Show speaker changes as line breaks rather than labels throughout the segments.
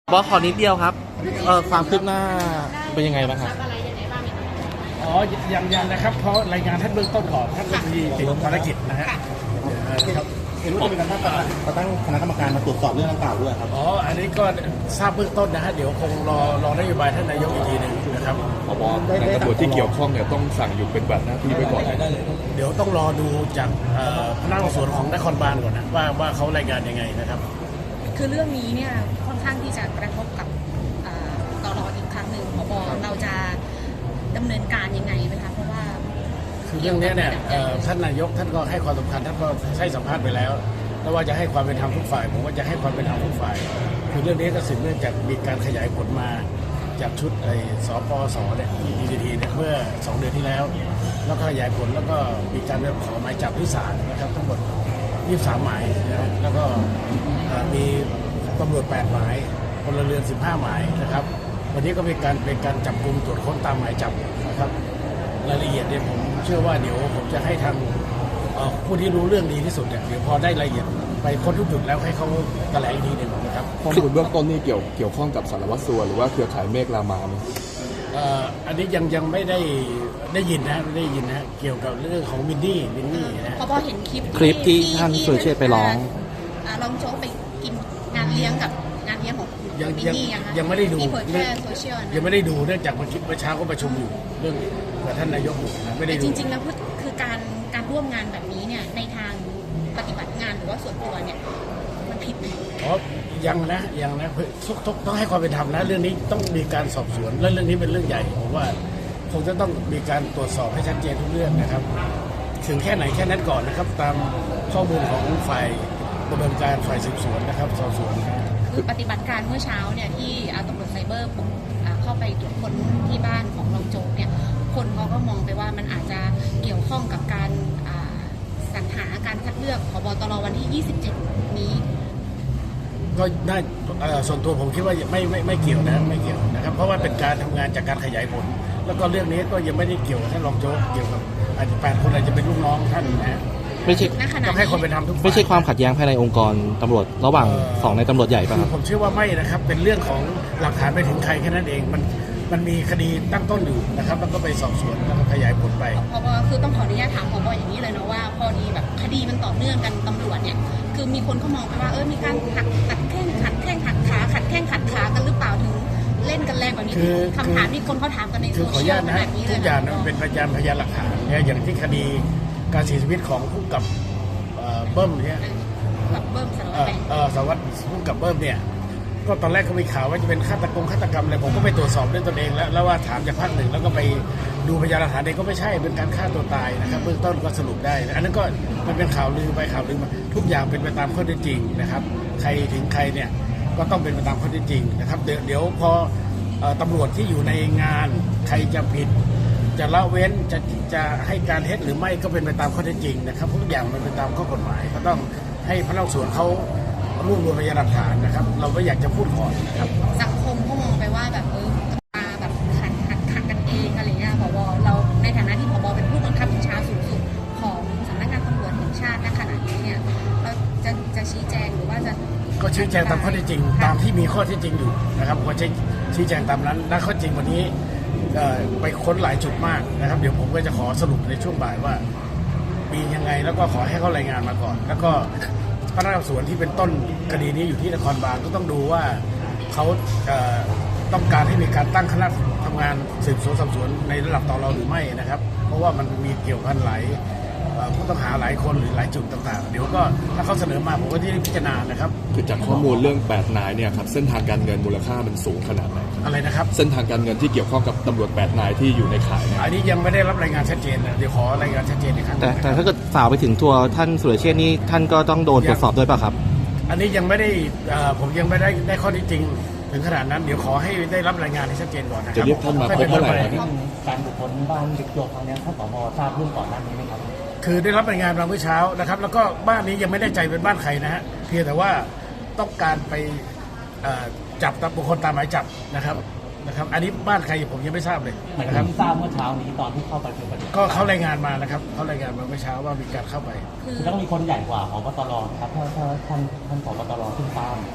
บอสขอนิดเดียวครับความคืบหน้าเป็นยังไงบ้างครับ
อ๋อยังนะครับเพราะรายงานท่านเบื้องต้นก่อนท่านก็มีติดภารกิจนะฮะครับ
เห็นว่าจะมีการตั้งคณะกรรมการมาตรวจสอบเรื่องดังกล่าวด้วยครับ
อ๋ออันนี้ก็ทราบเบื้องต้นนะฮะเดี๋ยวคงรอนโยบายท่านนายกอีกทีหนึ่งนะครับ
ผบในตำรวจที่เกี่ยวข้องเนี่ยต้องสั่งหยุดเป็นบัตรหน้าที่ไว้ก่อน
เดี๋ยวต้องรอดูจากพนักงานสอบสวนของนครบาลก่อนนะว่าเขารายงานยังไงนะครับ
คือเรื่องนี้เนี่ยค่อนข้างที่จะกระทบกับตลออีกครั้งหนึ่งผบเราจะดำเนินการยังไงไหมคะเพราะว่า
คือเรื่องนี้เนี่ยท่านนายกท่านก็ให้ความสำคัญท่านก็ให้สัมภาษณ์ไปแล้วแล้วว่าจะให้ความเป็นธรรมทุกฝ่ายผมว่าจะให้ความเป็นธรรมทุกฝ่ายคือเรื่องนี้ก็สืบเนื่องจากมีการขยายผลมาจากชุดสปสเนี่ยDTTเนี่ยเมื่อ2 เดือนที่แล้วแล้วก็ขยายผลแล้วก็มีการขอหมายจับที่ศาลนะครับทั้งหมด23 หมายนะแล้วก็มีตำรวจ8 หมายพลเรือน15 หมายนะครับวันนี้ก็เป็นการจับกุมตรวจค้นตามหมายจับนะครับรายละเอียดเนี่ยผมเชื่อว่าเดี๋ยวผมจะให้ทางผู้ที่รู้เรื่องดีที่สุดเนี่ยเดี๋ยวพอได้รายละเอียดไปค้นทุกจุดแล้วให้เขาแถลงอีกทีหนึ่งนะครับ
ข้อมูลเบื้องต้นนี่เกี่ยวข้องกับสารวัตรสัวหรือว่าเครือข่ายเมฆรามาไหม
อันนี้ยังไม่ได้ยินนะเกี่ยวกับเรื่องของมินนี่นะ
พอเห็นคลิป
ที่ท่านสุรเชษฐ์ไปร้อง
โจ๊กไปกินงานเลี้ยงของมินนี่
ยังไม่ได้ดู
ที่เผยแพร่โซเชียล
ยังไม่ได้ดูเนื่องจากเมื่อเช้าก็ประชุมอยู่เรื่องกับท่านนายกอยู่ไม่ได้ดู
จริงๆแล้วคือการร่วมงานแบบนี้เนี่ยในทางปฏิบัติงานหรือว่าส่วนตัวเนี่ยมันผิดไหม
อ๋อยังนะต้องให้ความเป็นธรรมนะเรื่องนี้ต้องมีการสอบสวนเรื่องนี้เป็นเรื่องใหญ่ผมว่าคงจะต้องมีการตรวจสอบให้ชัดเจนทุกเรื่องนะครับถึงแค่ไหนแค่นั้นก่อนนะครับตามข้อมูลของฝ่ายดำเนินการฝ่ายสืบสวนนะครับสอบสวน
คือปฏิบัติการเมื่อเช้าเนี่ยที่ตำรวจไซเบอร์เข้าไปตรวจค้นที่บ้านของรองโจ๊กเนี่ยคนเขาก็มองไปว่ามันอาจจะเกี่ยวข้องกับการสรรหาการคัดเลือกผบ.ตร.วันที่27นี้
ก็ได้ส่วนตัวผมคิดว่าไม่เกี่ยวนะครับเพราะว่าเป็นการทำงานจากการขยายผลแล้วก็เรื่องนี้ก็ยังไม่ได้เกี่ยวกับท่านรองโจ๊กเกี่ยวกับ8 คนอาจจะเป็นลูกน้องท่านนะ
ไม่ใช่
ต้องให้คนเป็นธรรมทุกฝ่าย
ไม่ใช่ความขัดแย้งภายในองค์กรตำรวจระหว่าง2ในตำรวจใหญ่ป่ะครับ
ผมเชื่อว่าไม่นะครับเป็นเรื่องของหลักฐานไปถึงใครแค่นั้นเองมันมีคดีตั้งต้นอยู่นะครับแล้วก็ไปสอบสวนแล้วก็ขยายผลไป
ผบ.คือต้องขออนุญาตถามผบ.อย่างนี้เลยนะว่าพอดีแบบคดีมันต่อเนื่องกันตำรวจเนี่ยคือมีคนเขามองไปว่ามีการขัดแข้งขัดขากันหรือเปล่าถึงเล่นกันแรงแบบนี้คำถามที่คนเขาถามกันในโซเชียลแบบนี้เลย
ทุกอย่างเป็นพยานหลักฐานเนี่ยอย่างที่คดีการเสียชีวิตของผู้กับเบิ้มเนี่ยสารวัตรผู้กับเบิ้มเนี่ยก็ตอนแรกเขามีข่าวว่าจะเป็นฆาตกรรมอะไรผมก็ไปตรวจสอบด้วยตนเองแล้วว่าถามจากภาคหนึ่งแล้วก็ไปดูพยานหลักฐานเองก็ไม่ใช่เป็นการฆ่าตัวตายนะครับเบื้องต้นก็สรุปได้อันนั้นก็มันเป็นข่าวลือไปข่าวลือมาทุกอย่างเป็นไปตามข้อเท็จจริงนะครับใครถึงใครเนี่ยก็ต้องเป็นไปตามข้อเท็จจริงนะครับเดี๋ยวพอตำรวจที่อยู่ในงานใครจะผิดจะละเว้นจะให้การเท็จหรือไม่ก็เป็นไปตามข้อเท็จจริงนะครับทุกอย่างมันเป็นตามข้อกฎหมายก็ต้องให้พนักงานสอบสวนเขารวบรวมพยานหลักฐานนะครับเราไม่อยากจะพูดก่อนนะครับ
สังคมก็มองไปว่าแบบมาแบบขัดกันเองอะไรเงี้ยผบ.เราในฐานะที่ผบ.เป็นผู้บังคับบัญชาสูงสุดของสำนักงานตำรวจแห่งชาติณขณะนี้เนี่ยเราจะชี้แจงหรือว่าจะ
ก็ชี้แจงตามข้อเท็จจริงตามที่มีข้อเท็จจริงอยู่นะครับผมจะชี้แจงตามนั้นและข้อจริงวันนี้ไปค้นหลายจุดมากนะครับเดี๋ยวผมก็จะขอสรุปในช่วงบ่ายว่ามียังไงแล้วก็ขอให้เขารายงานมาก่อนแล้วก็พนักงานสอบสวนที่เป็นต้นคดีนี้อยู่ที่นครบาลก็ต้องดูว่าเขาต้องการให้มีการตั้งคณะทำงานสืบสวนสอบสวนในระดับตร.หรือไม่นะครับเพราะว่ามันมีเกี่ยวพันหลายผู้ต้องหาหลายคนหรือหลายจุดต่างๆเดี๋ยวก็ถ้าเขาเสนอมาผมก็ที่พิจารณานะครับ
คือจากข้อมูลเรื่อง8 นายเนี่ยครับเส้นทางการเงินมูลค่ามันสูงขนาดไหน
อะไรนะครับ
เส้นทางการเงินที่เกี่ยวข้องกับตำรวจ8 นายที่อยู่ในข่ายเนี่ย
อันนี้ยังไม่ได้รับรายงานชัดเจนนะเดี๋ยวขอรายงานชัดเจนอีกครั้ง
แต่ถ้าเกิดฝ่าไปถึงตัวท่านสุรเชษฐ์นี่ท่านก็ต้องโดนตรวจสอบด้วยป่ะครับ
อันนี้ยังไม่ได้ผมยังไม่ได้ข้อที่จริงถึงขนาดนั้นเดี๋ยวขอให้ได้รับรายงานให้ชัดเจนก่อนนะครับ
จะเรียกท่านมาพบเมื่อไหร่ครับ
การบุคคลบ้านดึกตัวครั้งนี้ท่านผบ.ทราบเรื่องก่อนหน้านี้ไหมครับ
คือได้รับรายงานมาเมื่อเช้านะครับแล้วก็บ้านนี้ยังไม่ได้ใจเป็นบ้านใครนะฮะเพียงแต่ว่าต้องการไปจับบุคคลตามหมายจับนะครับอันนี้บ้านใครผมยังไม่ทราบเลย
นะครับทราบเมื่อเช้านี้ตอนที่เข้าไปเป็นประเด็น
ก็เขารายงานมานะครับเขารายงานมาเมื่อเช้าว่ามีการเข้าไป
คือต้องมีคนใหญ่กว่าผบ.ตร.ครับถ้าท่านผบ.ตร.ขึ้นตาม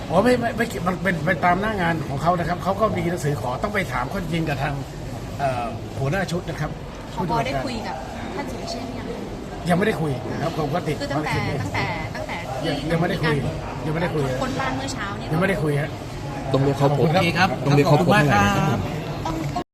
อ๋อไม่มันเป็นไปตามหน้างานของเขานะครับเขาก็มีหนังสือขอต้องไปถามข้อเท็จจริงกับทางหัวหน้าชุดนะครับ
ผบได้คุยกับท่านสุรเชษฐ์ยัง
ยังไม่ได้คุยนะครับผมก็ติด
คือตั้งแต่ที่
ยังไม่ได้คุยยังไม่ได้คุย
คนบ้านเมื่อเช้าเนี่ย
ยังไม่ได้คุยฮะ
ต้องเรียกเขาพบ
ขอบคุณครับ
ต้องเรียกเขาพบเมื่อไหร่นะครับ